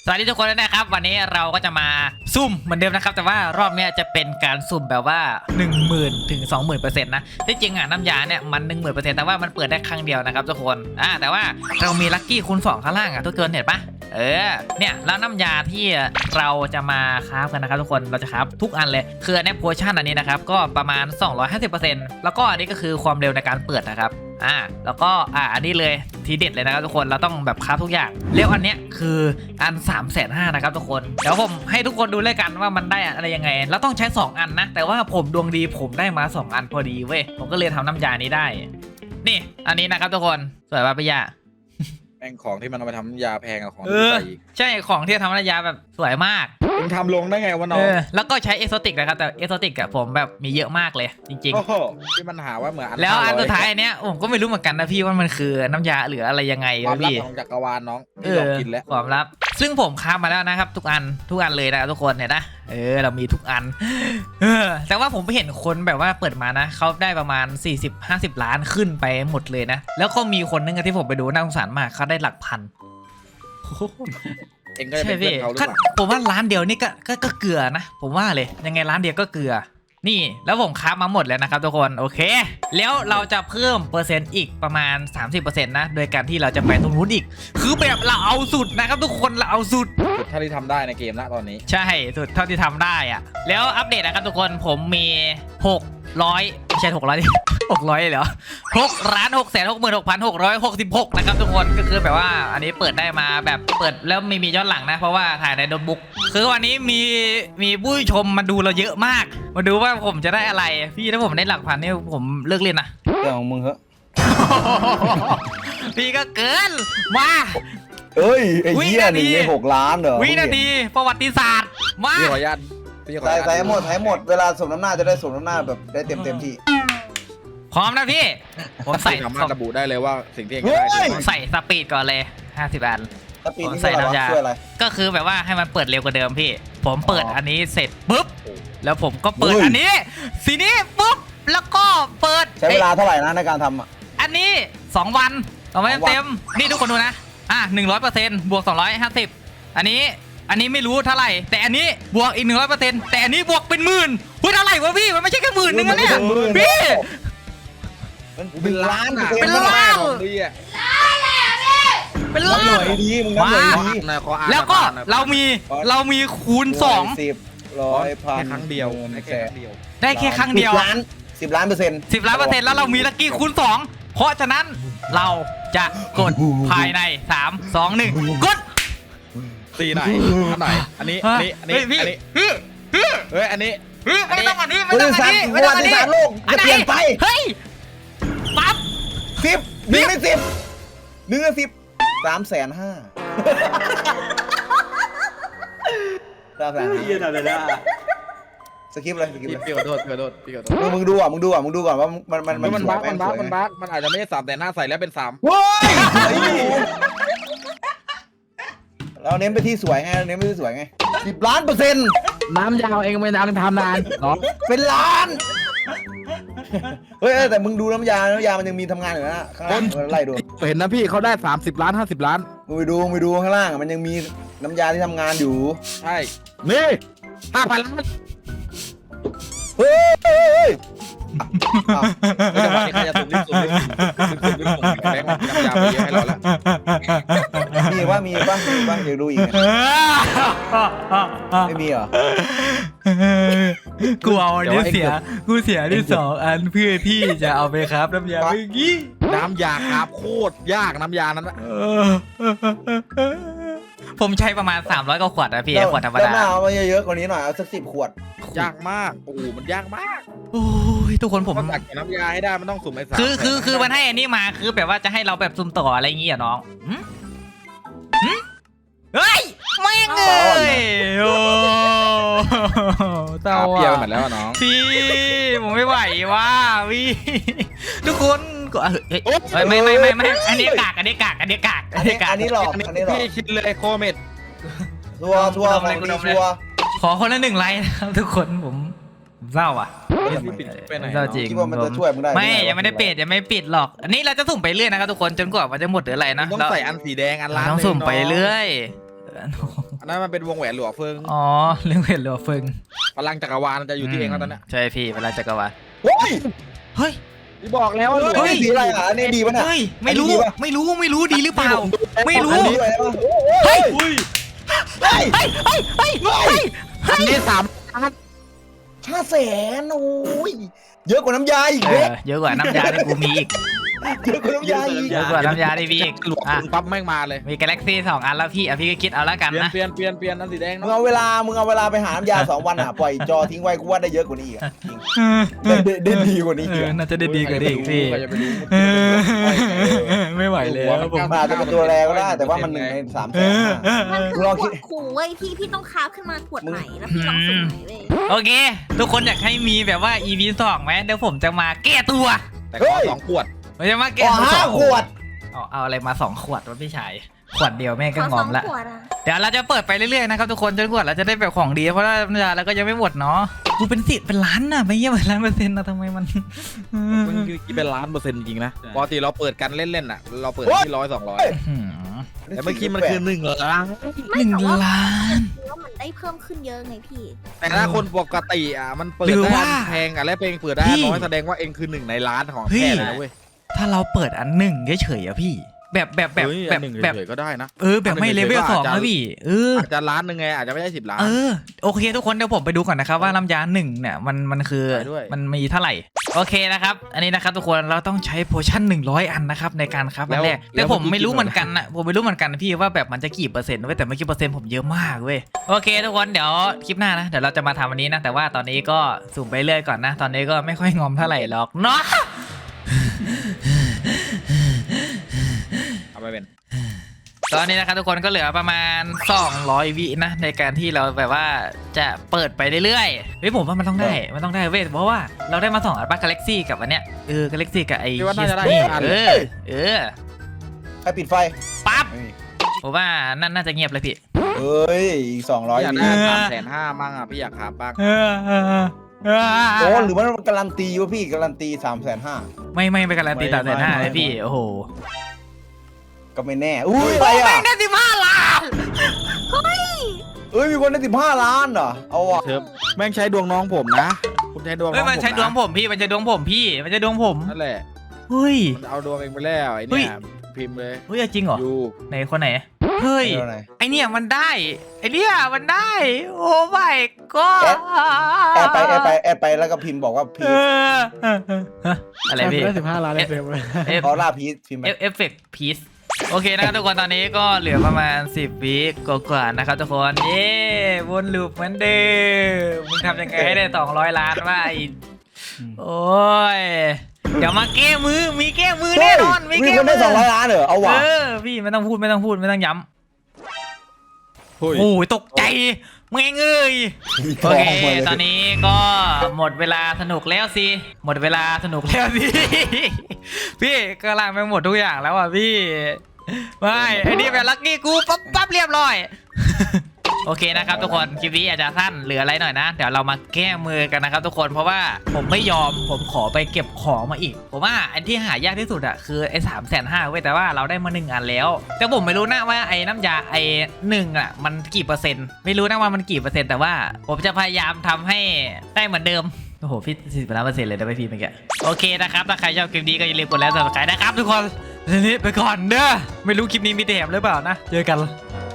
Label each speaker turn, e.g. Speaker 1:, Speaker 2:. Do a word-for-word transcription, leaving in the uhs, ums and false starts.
Speaker 1: สวัสดีทุกคนนะครับวันนี้เราก็จะมาซุ่มเหมือนเดิมนะครับแต่ว่ารอบนี้จะเป็นการสุ่มแบบว่า หนึ่งหมื่น ถึง สองหมื่นเปอร์เซ็นต์ นะที่จริงอ่ะน้ำยาเนี่ยมัน หนึ่งหมื่นเปอร์เซ็นต์ แต่ว่ามันเปิดได้ครั้งเดียวนะครับทุกคนอ่าแต่ว่าเรามีลัคกี้คูณสองข้างล่างอ่ะทุกคนเห็นปะเออเนี่ยแล้วน้ำยาที่เราจะมาคราฟกันนะครับทุกคนเราจะคราฟทุกอันเลยคืออันนี้โพชั่นอันนี้นะครับก็ประมาณ สองร้อยห้าสิบเปอร์เซ็นต์ แล้วก็อันนี้ก็คือความเร็วในการเปิดนะครับอ่าแล้วก็อ่าอันนี้เลยทีเด็ดเลยนะครับทุกคนเราต้องแบบคราฟทุกอย่างแล้วอันเนี้ยคืออัน สามแสนห้าหมื่น นะครับทุกคนเดี๋ยวผมให้ทุกคนดูเลยกันว่ามันได้อะไรยังไงแล้วต้องใช้สองอันนะแต่ว่าผมดวงดีผมได้มาสองอันพอดีเว้ยผมก็เลยทำน้ำยานี้ได้นี่อันนี้นะครับทุกคนสวยป่ะพี่ยา
Speaker 2: แม่งของที่มันเอาไปทำยาแพงกับของ
Speaker 1: เอ
Speaker 2: ที่
Speaker 1: อ
Speaker 2: ใส่อีก
Speaker 1: ใช่ของที่ทำน้ำยาแบบสวยมาก
Speaker 2: มึงทำลงได้ไงวะน้อ
Speaker 1: เอง อแล้วก็ใช้เอโซติกนะครับแต่เอโซติกอะผมแบบมีเยอะมากเลยจริง
Speaker 2: โอ้โหที่มันหาว่าเหมือน
Speaker 1: ๆแล้วอันสุดท้ายเนี้ยผมก็ไม่รู้เหมือนกันนะพี่ว่ามันคือน้ำยาหรืออะไรยังไง
Speaker 2: ความลับ
Speaker 1: พี่
Speaker 2: ของจักรวาลน้อง
Speaker 1: เอ
Speaker 2: ที่ลอง
Speaker 1: อ
Speaker 2: กินแล้ว
Speaker 1: ความลับซึ่งผมค้ามาแล้วนะครับทุกอันทุกอันเลยนะทุกคนเห็นนะเออเรามีทุกอันเออแต่ว่าผมไปเห็นคนแบบว่าเปิดมานะเขาได้ประมาณ สี่สิบ ห้าสิบ ล้านขึ้นไปหมดเลยนะแล้วก็มีคนนึงที่ผมไปดูน่าสงสารมากเขาได้หลักพัน
Speaker 2: เองก็จะเป็นเพื่อนเขาหรือเปล่า
Speaker 1: ผมว่าร้านเดียวนี่ก็ก็ก็เกลือนะผมว่าเลยยังไงร้านเดียวก็เกลือนี่แล้วผมค้ามาหมดแล้วนะครับทุกคนโอเคแล้วเราจะเพิ่มเปอร์เซ็นต์อีกประมาณ สามสิบเปอร์เซ็นต์ นะโดยการที่เราจะไปตรงนู้นอีกคือแบบเราเอาสุดนะครับทุกคนเราเอาสุด
Speaker 2: สุดเท่าที่ทำได้ในเกมละตอนนี้
Speaker 1: ใช่สุดเท่าที่ทำได้อะแล้วอัปเดตนะครับทุกคนผมมีหกร้อยไม่ใช่หกร้อย หกร้อยเหรอหกล้านหกแสนหกหมื่นหกพันหกร้อยหกสิบหกนะครับทุกคนก็คือแบบว่าอันนี้เปิดได้มาแบบเปิดแล้วไม่มีย้อนหลังนะเพราะว่าถ่ายในโน้ตบุ๊กคือวันนี้มีมีผู้ชมมาดูเราเยอะมากมาดูว่าผมจะได้อะไรพี่ถ้าผมได้หลักพันนี่ผมเลิกเล่นนะ
Speaker 3: เรื่องของมึงเหรอ
Speaker 1: พี่ก็เกินมา
Speaker 3: เอ้ยไอ้
Speaker 1: วิ
Speaker 3: เหี้ย
Speaker 1: นาที
Speaker 3: หนึ่งในหกล้านเหรอ
Speaker 1: วินาทีประวัติศาสตร์มา
Speaker 2: พี่ขออนุญาตพี่ขออ
Speaker 3: ใส่
Speaker 2: นุญาต
Speaker 3: ใส่หมดใส่หมดเวลาสมน้ำหน้าจะได้สมน้ำหน้าแบบได้เต็มเต็มที่
Speaker 1: พร้อมนะพี่ผมใส่
Speaker 2: สามารถระบุได้เลยว่าสิ่งที่เอง
Speaker 3: เฮ้
Speaker 2: ได้
Speaker 3: ย
Speaker 1: ผมใส่สปีดก่อนเลยห้าสิบอัน
Speaker 3: สปีด
Speaker 1: ผม
Speaker 3: นี่
Speaker 1: ใส่
Speaker 3: ใส่น้ำ
Speaker 1: น้ำยา
Speaker 3: ยาช่วยอะไร
Speaker 1: ก็คือแบบว่าให้มันเปิดเร็วกว่าเดิมพี่ ผมเปิด
Speaker 3: อ๋ออั
Speaker 1: อันนี้เสร็จปุ๊บแล้วผมก็เปิด
Speaker 3: เฮ้ย
Speaker 1: อันนี้สีนี้ปุ๊บแล้วก็เปิด
Speaker 3: ใช้เวลาเท่าไหร่นะในการทำอ่ะ
Speaker 1: อันนี้สองวันสองวัน
Speaker 3: สองวัน
Speaker 1: เต็มนี่ทุกคนดูนะอ่ะหนึ่งร้อยเปอร์เซ็นต์บวกสองร้อยห้าสิบอันนี้อันนี้ไม่รู้เท่าไหร่แต่อันนี้บวกอีกหนึ่งร้อยเปอร์เซ็นต์แต่อันนี้บวกเป็นหมื่นพูดเท่าไหร่วะพี่มันไม่ใช่แค่หมื่นนึงนะเนี่ยพี่
Speaker 3: มันเป็นล้าน
Speaker 1: เป็นล้าน
Speaker 2: ของดีอ่ะ
Speaker 1: เป็น
Speaker 3: นับ
Speaker 1: ล้า
Speaker 3: หน่
Speaker 1: น
Speaker 3: อยดีมึงนับหน่อย
Speaker 2: ขอ
Speaker 3: ดี
Speaker 2: อ่านหน่อยขออ่าน
Speaker 1: แล้วก็
Speaker 2: หน่อย
Speaker 1: เรามีเรามีคูณสอง
Speaker 3: สิบร้อยพัน
Speaker 2: แค่ครั้งเดียว
Speaker 3: หมื่น
Speaker 2: แค่
Speaker 3: แส
Speaker 2: ครั้
Speaker 3: น
Speaker 2: งเดียว
Speaker 1: ได้แค่ครั้งเดียว
Speaker 3: สิบล้านสิบล้านเปอร์เซ็นต์
Speaker 1: สิบล้านเปอร์เซ็นต์แล้วเรามีลัคกี้คูณสองเพราะฉะนั้นเราจะกดภายในสาม สอง หนึ่งกด
Speaker 2: ตีไหนอันไหนอันนี้อันนี้อันนี้
Speaker 1: เฮ้ยพี่
Speaker 2: อันนี้
Speaker 1: พี่พี่
Speaker 2: เฮ้ยอันนี้
Speaker 1: พี่ไม่ต้องอันนี้ไม่
Speaker 3: บ
Speaker 1: ต้อง
Speaker 3: ริ
Speaker 1: อัน
Speaker 3: ษัท
Speaker 1: นี้
Speaker 3: ป
Speaker 1: ไม่
Speaker 3: ระ
Speaker 1: ต้อง
Speaker 3: วั
Speaker 1: อัน
Speaker 3: ติ
Speaker 1: นี้
Speaker 3: ศาสตร์โลก
Speaker 1: อัน
Speaker 3: จะ
Speaker 1: ไหน
Speaker 3: เปลี่ยนไป
Speaker 1: เฮ้ยปั๊บ
Speaker 3: สิบหนึ่งในสิบหนึ่งในสิบสามแสนห้าสามแสนห้า
Speaker 4: เยี่ยอะไรนะ
Speaker 3: สกิปเลยสกิป
Speaker 2: พี่
Speaker 3: เลย
Speaker 2: พี่ขอโทษพี่ขอโทษพี่ขอโทษ
Speaker 3: มึงมึงดูอ่ะมึงดูอ่ะมึงดูก่อนว่ามันมัน
Speaker 2: มัน
Speaker 3: สว
Speaker 2: บั๊
Speaker 3: ย
Speaker 2: ก
Speaker 3: ไห
Speaker 2: มันบั๊ก
Speaker 3: สวย
Speaker 2: มัน
Speaker 3: ไห
Speaker 2: บั๊กมันอาจจะไม่ใช่สามแต่หน้าใส่แล้วเป็นสาม
Speaker 3: เว้ยเราเน้นไปที่สวยไงเราเน้นไปที่สวยไงสิบล้านเปอร์เซ็นต์
Speaker 4: น้ำยาวเองไม่นานทำนานเนาะ
Speaker 3: เป็นล้านเฮ้ยแต่มึงดูน้ำยาน้ำยามันยังมีทำงานอยู่นะข้างล่างไล่ดู
Speaker 4: เห็นนะพี่เขาได้สามสิบล้านห้าสิบล้าน
Speaker 3: มึงไปดูมึงไปดูข้างล่างมันยังมีน้ำยาที่ทำงานอยู่
Speaker 2: ใช่
Speaker 4: นี่ห้าพันล้าน
Speaker 3: เฮ้ยเฮ้ยเฮ้ยอ้าว
Speaker 2: แล้วจังหวะนี้ใครจะสุ่มรีบสุ่มรีบสุ่มรีบสุ่มรีบสุ่มแบงค์มันน้ำยาไปเยอะให้เราแล้ว
Speaker 3: มีว่ามีป่ะมีป่ะอยากดูอีกไหมไม่มีเหรอ
Speaker 1: กูเอาอันนี้เสียกูเสียที่สองอันเพื่อที่จะเอาไปครับน้ำยาเมื่อกี้
Speaker 2: น้ำยาครับโคตรยากน้ำยานั้นนะ
Speaker 1: ผมใช้ประมาณสามร้อยกว่าขวดนะพี่ขวดธรรม
Speaker 3: แล้ว
Speaker 1: ดา
Speaker 3: หน้าเอามาเยอะๆกว่านี้หน่อยเอาสักสิบขวด
Speaker 2: ยากมากโอ้โหมันยากมาก
Speaker 1: โอ้ยทุกคนผม
Speaker 2: ต้องตักน้ำยาให้ได้มันต้องสุ่มไอ้สาม
Speaker 1: คือคือคือมันให้อันนี้มาคือแบบว่าจะให้เราแบบซุ่มต่ออะไรอย่างงี้อะน้องหึหึเฮ้ยไม่งเลยโอ้เต่า
Speaker 2: เปรี้ยวไป
Speaker 1: อ่ะ
Speaker 2: หมดแล้วอะน้อง
Speaker 1: พี่ผมไม่ไหวว่ะพี่ทุกคนก็เฮ้ยเฮ้ยไม่ไม่ไม่ไม่อันนี้กากอันนี้กากอันนี้กาก
Speaker 3: อันนี้
Speaker 1: กาก
Speaker 3: อันนี้หลอก
Speaker 2: อันนี้
Speaker 3: อันนี้หลอก
Speaker 2: พี่คิดเลยโคเมด
Speaker 3: ทัวร์ทัวร์ของดีทัวร์
Speaker 1: ขอคนละหนึ่งไลค์นะครับทุกคนผมผมเศร้าอ่ะ
Speaker 2: ไปไหน
Speaker 1: เศร้าจริง
Speaker 3: คิดว่ามันจะช่วยมึงได้
Speaker 1: ไม่ยังไม่ได้ปิดยังไม่ปิดหรอก อันนี้เราจะสุ่มไปเรื่อยนะครับทุกคนจนกว่ามันจะหมดหรืออะไรนะ
Speaker 2: ต้อง
Speaker 1: เรา
Speaker 2: ใส่อันสีแดงอัน
Speaker 1: เรา
Speaker 2: ล้าน
Speaker 1: ต้องสุ่มไปเรื่อย
Speaker 2: อันนั้นมันเป็นวงแหวนหลวงเฟิง
Speaker 1: อ๋อเรื่องเวทหรือเฟิง
Speaker 2: พลังจักรวาลจะอยู่ที่เองแล้วตอนเนี้ย
Speaker 1: ใช่พี่เวลาจักรวาล
Speaker 3: เฮ้ย
Speaker 1: เฮ้ย
Speaker 2: ที่บอกแล้วว่าหลวง
Speaker 3: เฮ้ยสีอะไรอ่ะอันนี้ดีป่ะเนี่ย
Speaker 1: เฮ้ยไม่รู้
Speaker 3: อันนี้ดีปะ
Speaker 1: ไม่รู้ไม่รู้ดีหรือเปล่า ไม่รู้
Speaker 3: อันนี้อะไรวะ
Speaker 1: เฮ้ย
Speaker 2: อุ้ย
Speaker 3: เฮ้ย
Speaker 1: เฮ้ยเฮ้ยเฮ้ยเฮ้ย
Speaker 4: อันนี้สามล้าน
Speaker 3: ห้าแสนโอ้ยเยอะกว่าน้ำยาอีก
Speaker 1: เอ
Speaker 3: เว้ย
Speaker 1: อเยอะกว่าน้ำยาที่กูมีอีก
Speaker 3: เยอะกว่าน้ำยาอีก
Speaker 1: เยอะกว่าน้ำยาที่มีอีก
Speaker 2: หลวง
Speaker 1: อ่ะ
Speaker 2: ปั๊บแม่งมาเลย
Speaker 1: มีกาแล็กซี่สองอันแล้วพี่อ่ะพี่ก็คิดเอาละกัน
Speaker 2: เปลี่ยน
Speaker 1: นะ
Speaker 2: เปลี่ยนเปลี่ยนเปลี่ยนอันสีแดง
Speaker 3: มึง
Speaker 2: เนาะ
Speaker 3: เอาเวลามึงเอาเวลาไปหาน้ำยาสองวันอ่ะปล่อยจอทิ้งไว้กูว่าได้เยอะกว่านี้อีกอะจริงได้ได้ได้ดีกว่านี้
Speaker 1: เอ
Speaker 3: อีก
Speaker 1: อ
Speaker 3: อะ
Speaker 1: น่าจะได้ดีกว่านี้อีกพี่
Speaker 2: ใครจะไปรู้
Speaker 1: เออไม่ไหวแล้วผม
Speaker 3: มันอาจจะเป็นตัวแรก็ได้แต่ว่ามันหนึ่งในสามแส
Speaker 1: เอน อ
Speaker 3: ห้า
Speaker 1: เออเอ
Speaker 5: มัน
Speaker 1: อ
Speaker 5: คือ
Speaker 3: ลอง
Speaker 5: ข
Speaker 3: คิ
Speaker 5: ว
Speaker 3: ด
Speaker 5: ดขู่เว้ยพี่พี่ต้องคราฟขึ้นมาขวดใหม่แล้วพี่ลองสุ่มใหม่เว้ย
Speaker 1: โอเค ทุกคนอยากให้มีแบบว่า อี พี สองไหมเดี๋ยวผมจะมาแก้ตัว
Speaker 2: แต่ขอสองขวด
Speaker 1: ผมจะมาแก้
Speaker 3: อ๋อ
Speaker 1: ตัวส
Speaker 3: ห้า
Speaker 1: อง
Speaker 3: ขวด
Speaker 1: เอาเอาอะไรมาสองขวดวะพี่ชายขวดเดียวแม่ง
Speaker 5: ข
Speaker 1: ก็
Speaker 5: อง ส
Speaker 1: อ
Speaker 5: อ
Speaker 1: ม
Speaker 5: ง
Speaker 1: ละ
Speaker 5: ขวดอ่ะ
Speaker 1: เดี๋ยวเราจะเปิดไปเรื่อยๆนะครับทุกคนจนกว่าเราจะได้แบบของดีเพราะว่าน้ำยาเราก็ยังไม่หมดเนาะกูเป็นสิทธิ์เป็นล้านน่ะไม่เยี่ยมเป็นล้านเปอร์เซ็นต์นะทำไมมัน
Speaker 2: มันคือเป็นล้านเปอร์เซ็นต์จริงๆนะปกติเราเปิดกันเล่นๆน่ะ เราเปิดที่ร้อยสองร้อย
Speaker 1: หืม
Speaker 2: แต่เมื่อกี้มันคือหนึ่งล้าน
Speaker 1: หนึ่งล้าน
Speaker 5: ว่ามันได้เพิ่มขึ้นเยอะไงพี่
Speaker 2: แต่ถ้าคนปกติอ่ะมันเปิด
Speaker 1: หรือ
Speaker 2: ได้
Speaker 1: ว่า
Speaker 2: อันแพงอ่ะและเพลงเปิดได้
Speaker 1: พี่
Speaker 2: น้อยแสดงว่าเองคือหนึ่งในล้านของ
Speaker 1: พี่
Speaker 2: แท้เลยนะเว้ย
Speaker 1: ถ้าเราเปิดอันหนึ่งเฉยๆอะพี่ แบบแบบแบบ
Speaker 2: เฮ้ย
Speaker 1: แบ
Speaker 2: อั
Speaker 1: บ
Speaker 2: นหนึ่ง
Speaker 1: แบบ
Speaker 2: เฉยๆก็ได้นะ
Speaker 1: เออแบบไม่
Speaker 2: อันห
Speaker 1: เล
Speaker 2: นึ่ง
Speaker 1: เวล
Speaker 2: เฉยๆ
Speaker 1: สอง
Speaker 2: ก็อาจ
Speaker 1: นะ
Speaker 2: จะ
Speaker 1: พี่เออ
Speaker 2: อาจจะล้านหนึ่งไงอาจจะไม่ได้สิบล้าน
Speaker 1: เออโอเคทุกคนเดี๋ยวผมไปดูก่อนนะครับว่าน้ำยาหนึ่งเนี่ยมันมันคือ
Speaker 2: ไปด้วย
Speaker 1: มันมีเท่าไหร่โอเคนะครับอันนี้นะครับทุกคนเราต้องใช้โพชั่นหนึ่งร้อยอันนะครับในการครับอันแรกแต่ผมไม่รู้เหมือนกันนะผมไม่รู้เหมือนกันนะพี่ว่าแบบมันจะกี่เปอร์เซ็นต์เว้ยแต่เมื่อกี้เปอร์เซ็นต์ผมเยอะมากเว้ยโอเคทุกคนเดี๋ยวคลิปหน้านะเดี๋ยวเราจะมาทำอันนี้นะแต่ว่าตอนนี้ก็สุ่มไปเรื่อยก่อนนะตอนนี้ก็ไม่ค่อยงอมเท่าไหร่หรอกเนาะ
Speaker 2: เอาไปเป็น
Speaker 1: ตอนนี้นะครับทุกคนก็เหลือประมาณสองร้อยวินะในการที่เราแบบว่าจะเปิดไปเรื่อยๆเฮ้ยผมว่ามันต้องได้มันต้องได้เว้ยเพราะว่าเราได้มาสองอัลบั้มกาแล็กซี่กับอันเนี้ยเออกาแล็กซี่กับไอ้
Speaker 2: คิดว่าน่าจะได้
Speaker 1: นี่
Speaker 2: อัน
Speaker 1: เออเออ
Speaker 3: ใครปิดไฟ
Speaker 1: ปั๊บ
Speaker 3: ไม่มี
Speaker 1: ผมว่านั่นน่าจะเงียบเลยพี่
Speaker 3: เอ้ยอีกสองร้อย
Speaker 2: พี่อยาก
Speaker 3: ดี
Speaker 2: ได้สามแสนห้ามั่งอ่ะพี่อยากหาบ้าง
Speaker 1: เออเออเออ
Speaker 3: โอ้หรือมันการันตีวะพี่การันตีสามแสนห้า
Speaker 1: ไม่ไม่ไปการันตีสามแสนห้าเลยพี่โอ้โห
Speaker 3: ก็ไม่แน่อุ้ยอะไรอ่ะ
Speaker 1: ได้สิบห้าล้าน
Speaker 3: เอ้ยมีคนได้สิบห้าล้านเหรอเอาว่ะ
Speaker 2: เชิมแม่งใช้ดวงน้องผมนะ คุณใช้ดวงน้
Speaker 1: เฮ้
Speaker 2: อย ง
Speaker 1: มันใช้ดวง
Speaker 2: ผ
Speaker 1: ผมพี่มันใช้ดวงผมพี่มันใช้ดวงผม
Speaker 2: มนะนั่นแหละ
Speaker 1: เฮ้ย
Speaker 2: มันเอาดวงเองไปแล้วไอ้
Speaker 1: เฮ้ย
Speaker 2: เนี่ยพิมพ์เลย
Speaker 1: เฮ้ยจริงเหรอ
Speaker 2: อยู่
Speaker 1: ไหนคนไหนเฮ้ย
Speaker 3: เอาไหน
Speaker 1: ไอเนี่ยมันได้ไอเนี่ยมันได้ โอ้ไม่ก็
Speaker 3: แอดไปแอดไปแอดไปแล้วก็พิมพ์บอกว่าพี
Speaker 1: เอ
Speaker 3: ช
Speaker 1: ออะไรพี่
Speaker 4: ได้สิบห้าล้านเลยเฟรม
Speaker 1: เอฟ
Speaker 3: เขาล่าพีชพิมพ์ไป
Speaker 1: เอฟเฟกต์พีซโอเคนะครับทุกคนตอนนี้ก็เหลือประมาณสิบวิกว่าๆนะครับทุกคนเย้วนลูปเหมือนเดิมมึงทำยังไงให้ได้สองร้อยล้านวะไอโอ้ยเดี๋ยวมาแก้มือมีแก้มือแน่นอนมี
Speaker 3: มี
Speaker 1: แก้
Speaker 3: คน
Speaker 1: มื
Speaker 3: ได้สองร้อยล้านเหรอเอาว่ะ
Speaker 1: เออพี่ไม่ต้องพูดไม่ต้องพูดไม่ต้องย้ำ
Speaker 2: เฮ้ย
Speaker 1: โอ้ยตกใจแม่งเอ้ยโอเคตอนนี้ก็หมดเวลาสนุกแล้วสิหมดเวลาสนุกแล้วสิ พี่กำลังไปหมดทุกอย่างแล้วอ่ะพี่ไม่ไอ้นี่แบบลักกี้กูปั๊บปั๊บเรียบร้อย โอเคนะครับทุกคนคลิปนี้อาจจะสั้นเหลืออะไรหน่อยนะเดี๋ยวเรามาแก้มือกันนะครับทุกคนเพราะว่าผมไม่ยอมผมขอไปเก็บของมาอีกผมว่าอันที่หายากที่สุดอะคือไอ้สามแสนห้าเว้ยแต่ว่าเราได้มาหนึ่งอันแล้ว แต่ผมไม่รู้นะว่าไอ้น้ำยาไอ้หนึ่งอะมันกี่เปอร์เซ็นต์ไม่รู้นะว่ามันกี่เปอร์เซ็นต์แต่ว่าผมจะพยายามทำให้ได้เหมือนเดิมโอ้โหพี่สี่สิบล้านเปอร์เซ็นต์เลยได้ไหมพี่เมื่อกี้โอเคนะครับถ้าใครชอบคลิปนี้ก็อย่าลืมกดไลค์ซับสไครต์นะครับทุกคนทีนี้ไปก่อนเด้อไม่รู้คลิปนี้มีแต่แถมหรือเปล่านะเจอกัน